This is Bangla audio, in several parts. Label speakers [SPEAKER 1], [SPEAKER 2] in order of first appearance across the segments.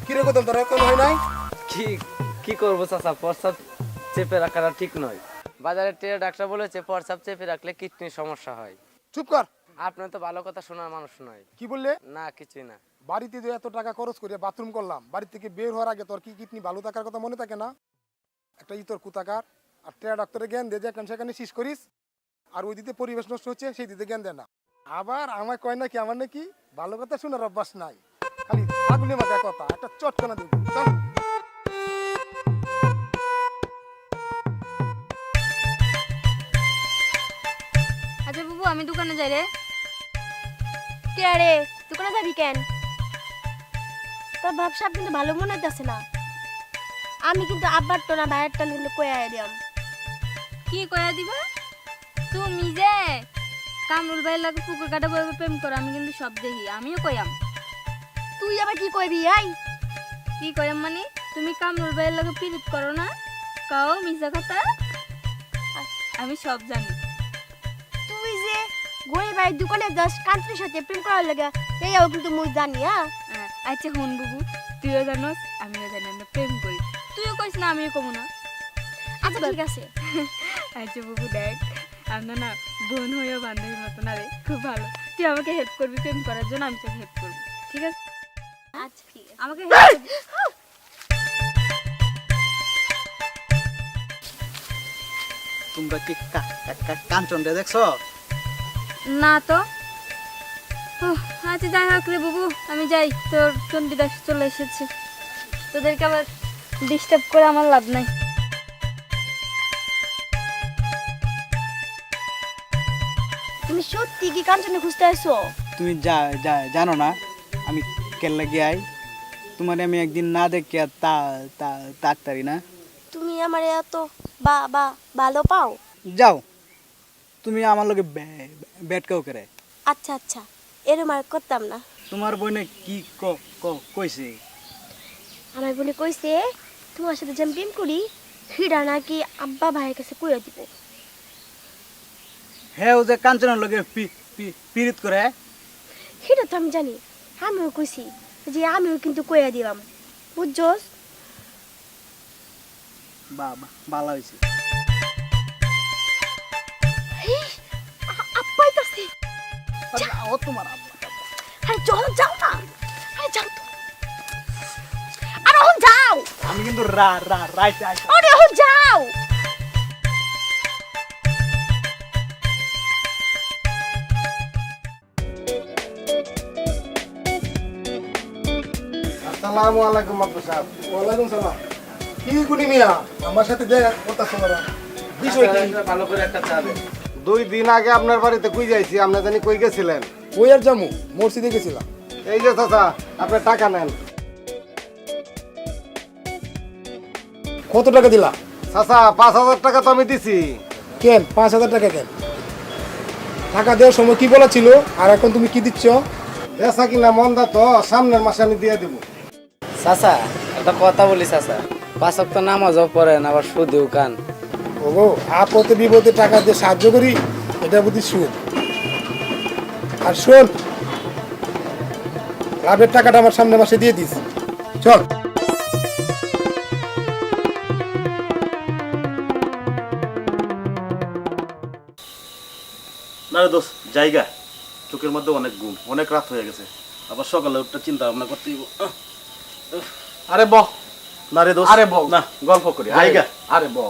[SPEAKER 1] কিরে কোথাও তোর এখন হয় নাই?
[SPEAKER 2] কি কি করবো চাচা, প্রস্রাব চেপে রাখাটা ঠিক নয়। বাজারে টেরে ডাক্তার বলেছে প্রস্রাব চেপে রাখলে কিডনির সমস্যা হয়।
[SPEAKER 1] চুপ কর।
[SPEAKER 2] আপনি তো ভালো কথা শোনার মানুষ নয়।
[SPEAKER 1] কি বললে?
[SPEAKER 2] না কিছুই না।
[SPEAKER 1] বাড়িতে যে এত টাকা খরচ করে বাথরুম করলাম, বাড়ি থেকে বের হওয়ার আগে তোর কি কিডনি ভালো থাকার কথা মনে থাকে না? একটা ইতর কুতাকার আর টেরা ডাক্তারের জ্ঞান দিয়ে যেখানে সেখানে শেষ করিস, আর ওই দিতে পরিবেশ নষ্ট হচ্ছে সেই দিতে জ্ঞান দেয় না। আবার আমায় কয় নাকি আমার নাকি ভালো কথা শোনার অভ্যাস নাই, খালি আগুনে মাথা কথা একটা চটকানা দেব। চল
[SPEAKER 3] আচ্ছা বাবু, আমি দোকানে যাই রে।
[SPEAKER 4] কে আরে দোকানে যাবি কেন? তোর ব্যবসা কিন্তু ভালো মনে হইতেছে না। আমি কিন্তু আব্বার তো না ভাইয়ের টান কিন্তু কয়ে দিলাম।
[SPEAKER 3] কি কয়া দিবা? তুমি যে কামরুল ভাইয়ের লাগে পুকুর কাটা বইবে প্রেম করো, আমি কিন্তু সব দেখি, আমিও কয়াম।
[SPEAKER 4] তুই আবার কি কইবি? আই
[SPEAKER 3] কি কয়াম মানে? তুমি কামরুল ভাইয়ের লাগে পিরিত করো না, কাও মিছা কথা, আমি সব জানি।
[SPEAKER 4] তুই যে গরিব ভাইয়ের দোকানে যাস কান্ত্রির সাথে প্রেম করার লাগে, এইও কিন্তু মুই জানি।
[SPEAKER 3] আচ্ছা হুন বাবু, তুইও জানোস আমিও জানি আমরা প্রেম করি। তুইও কইস না, আমিও কমু না।
[SPEAKER 4] আচ্ছা ঠিক আছে।
[SPEAKER 3] আচ্ছা বাবু দেখ, আমরা না বোন হয়েও বান্ধবীর মতো না রে, খুব ভালো। তুই আমাকে হেল্প করবি প্রেম করার জন্য, আমি তোকে হেল্প করবো, ঠিক আছে?
[SPEAKER 4] আচ্ছা ঠিক আছে।
[SPEAKER 3] আমাকে help করবি।
[SPEAKER 5] তোমরা কি কাঞ্চনটা দেখছো?
[SPEAKER 3] না তো। উহ, আচ্ছা যাই হোক রে বাবু, আমি যাই, তোর চণ্ডীদাস চলে এসেছে, তোদেরকে আবার ডিস্টার্ব করে আমার লাভ নাই।
[SPEAKER 4] তুমি সত্যি কি কাঞ্চনে খুঁজতে আসছো?
[SPEAKER 5] তুমি জানো না আমি কেল্লা গিয়াই তোমার আমি একদিন না দেখে তাড়াতাড়ি না।
[SPEAKER 4] তুমি আমার এত বা বা ভালো পাও?
[SPEAKER 5] যাও, তুমি আমার লগে ব্যাট কাউ করে।
[SPEAKER 4] আচ্ছা আচ্ছা, এরম আর করতাম না।
[SPEAKER 5] তোমার বইনে কি কইছে?
[SPEAKER 4] আমার বলে কইছে তোমার সাথে যে আমি প্রেম করি হিডা নাকি আব্বা ভাইয়ের কাছে কইয়া দিব।
[SPEAKER 5] হ্যাঁ, ও যে কাঞ্চনের লগে পিরিত করে।
[SPEAKER 4] হিডা তো আমি জানি, আমিও কইছি যে আমিও কিন্তু কইয়া দিলাম, বুঝছস?
[SPEAKER 5] বাবা ভালো হয়েছে।
[SPEAKER 4] আব্বাই কাছে
[SPEAKER 5] ও তোমার আব্বা।
[SPEAKER 4] আরে চলো যাও না, আরে যাও তো, আরে এখন যাও,
[SPEAKER 5] আমি কিন্তু রাইট
[SPEAKER 4] আরে এখন যাও।
[SPEAKER 1] আসসালামু আলাইকুম আব্বু সাহেব। ওয়ালাইকুম সালাম। কি গুনি মিয়া আমার সাথে দেখা কথা শোনা বিষয় কি?
[SPEAKER 2] ভালো করে একটা চা দে।
[SPEAKER 6] 2 দিন আগে আপনার বাড়িতে কই যাইছি, আপনি জানি কই গেছিলেন?
[SPEAKER 1] ওই আর জামু মসজিদে গেছিলাম।
[SPEAKER 6] এই যে চাচা, আপনি টাকা নেন।
[SPEAKER 1] কত টাকা দিলা?
[SPEAKER 6] চাচা 5,000 টাকা তো আমি দিছি।
[SPEAKER 1] কেন 5,000 টাকা কেন? টাকা দেওয়ার সময় কি বলা ছিল আর এখন তুমি কি দিচ্ছ?
[SPEAKER 6] বেচা কিনা মন্দা তো, সামনের মাসে আমি দিয়ে দিব।
[SPEAKER 2] চাচা একটা কথা বলি চাচা, 5 ওয়াক্ত নামাজও পড়েন আবার সুদেও কান।
[SPEAKER 1] ওগো আপদে বিপদে টাকা দিয়ে সাহায্য করি, এটা বুঝি সুদ। আর শোন, লাভের টাকাটা আমার সামনের মাসে দিয়ে দিস। চল।
[SPEAKER 7] না রে দোস্ত, জায়গা চোখের মধ্যে অনেক ঘুম, অনেক রাত হয়ে গেছে, আবার সকালে একটা চিন্তা ভাবনা করতে হইব।
[SPEAKER 5] আরে বহ।
[SPEAKER 7] না রে দোস্ত,
[SPEAKER 5] আরে বউ।
[SPEAKER 7] না গল্প করি আইগা।
[SPEAKER 5] আরে বহ।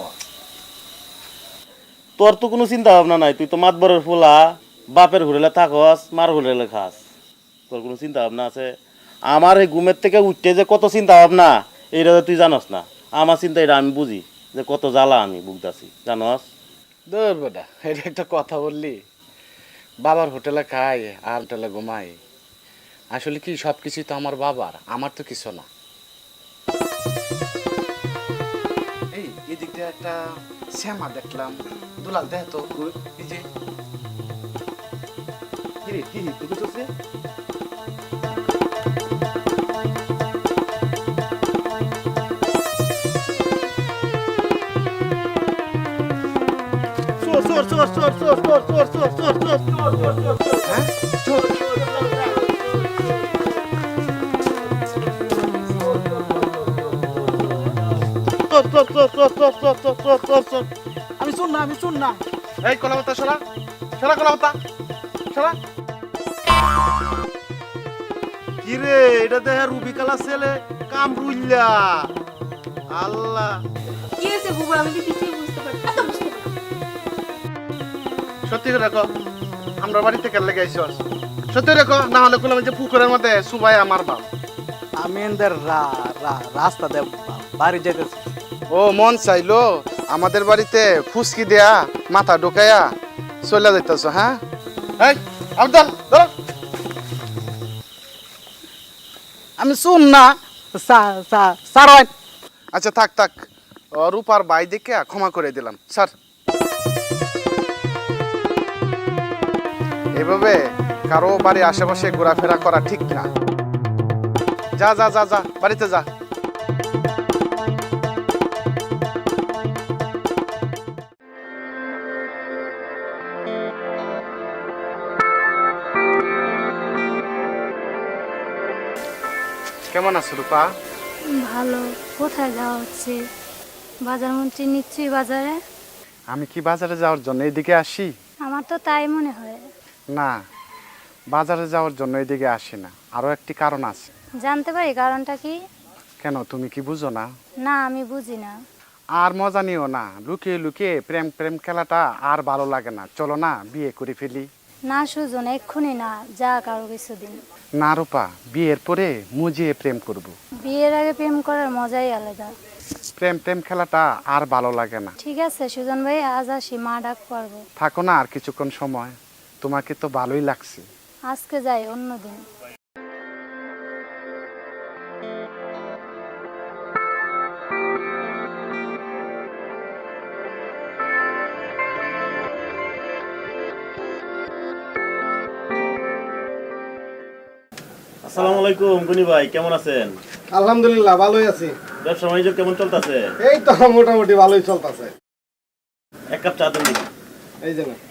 [SPEAKER 7] তোর তো কোনো চিন্তা ভাবনা নাই, তুই তো মাতবরের ফুলা, বাপের হুরেলে থাকস, মার হুরেলে খাস, তোর কোনো চিন্তা ভাবনা আছে? আমার এই ঘুমের থেকে উঠতে যে কত চিন্তা ভাবনা, এইটা তুই জানস না। আমার চিন্তা এটা আমি বুঝি যে কত জ্বালা আমি ভুগতাছি, জানস?
[SPEAKER 8] দূর বেটা, এটা একটা কথা বললি? বাবার হোটেলে খাই আর হোটেলে ঘুমাই, আসলে কি সব কিছুই তো আমার বাবার, আমার তো কিছু না। এই এদিক দিয়ে একটা শ্যামা দেখলাম, দুলাল দেখ তো, এই যে
[SPEAKER 7] কি রে, কি তুই কিছু আছে? চল।
[SPEAKER 5] আমি শুন না, আমি শুন না।
[SPEAKER 8] এই কলাপাতা সরা সরা কলাপাতা সরা।
[SPEAKER 7] কি রে এটা দেখে রুবিকালা ছেলে কামরুল্লা। আল্লাহ,
[SPEAKER 3] কি হয়েছে বুবু, আমি তো কিছুই বুঝতে পারছি না।
[SPEAKER 8] সত্যি করে দেখো আমরা বাড়িতে কেন লেগে আইসস? সত্যি দেখো, না হলে কোলাম যে পুকুরের মধ্যে সুবাই আমার বাপ।
[SPEAKER 5] আমি এদের রাস্তা দিয়ে বাড়ি যেতেছি।
[SPEAKER 8] ও মন চাইলো আমাদের বাড়িতে ফুসকি দেয়া মাথা ঢোকায়া চলে যাইতেছ? হ্যাঁ, এই আবদাল ধরো।
[SPEAKER 5] আমি শুন না, স্যার।
[SPEAKER 8] আচ্ছা থাক থাক, রূপার বাই দেখে ক্ষমা করে দিলাম স্যার। এভাবে কারো বাড়ি আশেপাশে ঘোরাফেরা করা ঠিক না। যা যা যা যা, বাড়িতে যা। কেমন আছো রূপা?
[SPEAKER 3] ভালো। কোথায় যাওয়া হচ্ছে? বাজার মন্ত্রী নিশ্চয়ই বাজারে।
[SPEAKER 8] আমি কি বাজারে যাওয়ার জন্য এইদিকে আসি?
[SPEAKER 3] আমার তো তাই মনে হয়।
[SPEAKER 8] না, বাজারে যাওয়ার জন্য এইদিকে আসি না, আরো একটি কারণ আছে।
[SPEAKER 3] জানতে পারি কারণটা কি?
[SPEAKER 8] কেন, তুমি কি বুঝো না?
[SPEAKER 3] না, আমি বুঝি না।
[SPEAKER 8] আর মজা নিও না, লুকিয়ে লুকিয়ে প্রেম প্রেম খেলাটা আর ভালো লাগে না। চলো না বিয়ে করে ফেলি।
[SPEAKER 3] না সুজন, এক্ষুনি না, যা কারো কিছুদিন।
[SPEAKER 8] না রূপা, বিয়ের পরে মুজিয়ে প্রেম করব।
[SPEAKER 3] বিয়ের আগে প্রেম করার মজাই আলাদা।
[SPEAKER 8] প্রেম প্রেম খেলাটা আর ভালো লাগে না।
[SPEAKER 3] ঠিক আছে সুজন ভাই, আজ আসি, মা ডাক পারবো।
[SPEAKER 8] থাকো না আর কিছুক্ষণ সময়, তোমাকে তো ভালোই লাগছে।
[SPEAKER 3] আজকে যাই, অন্যদিন।
[SPEAKER 7] আসসালামু আলাইকুম গনি ভাই, কেমন আছেন?
[SPEAKER 6] আলহামদুলিল্লাহ ভালোই আছি।
[SPEAKER 7] ব্যবসা বাণিজ্য কেমন চলতেছে?
[SPEAKER 6] এই তো মোটামুটি ভালোই চলতেছে।
[SPEAKER 7] এক কাপ চা দেন দেখি।
[SPEAKER 6] এই যে না,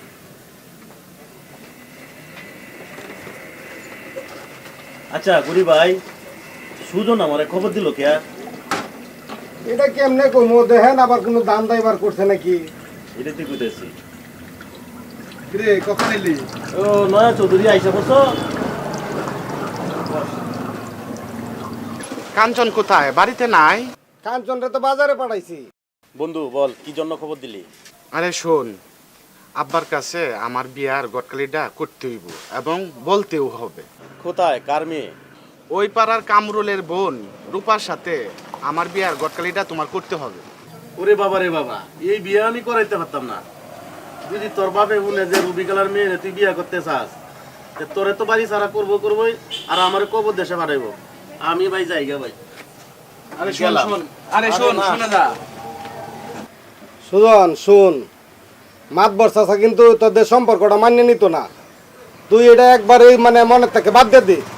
[SPEAKER 7] আচ্ছা গনি ভাই, সুজন আমারে খবর দিল কে?
[SPEAKER 6] এটা কেমনে কমো দেখেন, আবার কোনো দাম দাইবার করছে নাকি?
[SPEAKER 7] এটা তুই বুঝতেছি।
[SPEAKER 6] রে কখন এলি?
[SPEAKER 7] ও নয়া চৌধুরী আইসা বসো।
[SPEAKER 8] কাঞ্চন কোথায়? বাড়িতে নাই?
[SPEAKER 6] কাঞ্চনরে তো বাজারে পাঠাইছি।
[SPEAKER 7] বন্ধু বল, কি জন্য খবর দিলি?
[SPEAKER 8] আরে শোন, আব্বার কাছে আমার বিয়ার গটকালিটা করতে হইব এবং বলতেও হবে।
[SPEAKER 7] কোথায়, কার মেয়ে?
[SPEAKER 8] ওই পাড়ার কামরুলের বোন রূপার সাথে আমার বিয়ার গটকালিটা তোমার করতে হবে।
[SPEAKER 7] ওরে বাবা রে বাবা, এই বিয়ে আমি করাইতে পারতাম না। যদি তোর বাপে বলে যে রুবিকালার মেয়ে তুই বিয়ে করতে চাস, তোরে তো বাড়ি সারা করবোই, আর আমার কবর দেশে পাঠাইবো। আমি ভাই যাইগা ভাই।
[SPEAKER 5] আরে শোন, শুনে যা।
[SPEAKER 6] সুজন শুন, মাতবর চাচা কিন্তু তোদের সম্পর্কটা মানিয়ে নিত না। তুই এটা একবারই মানে মনের থেকে বাদ দিয়ে দে।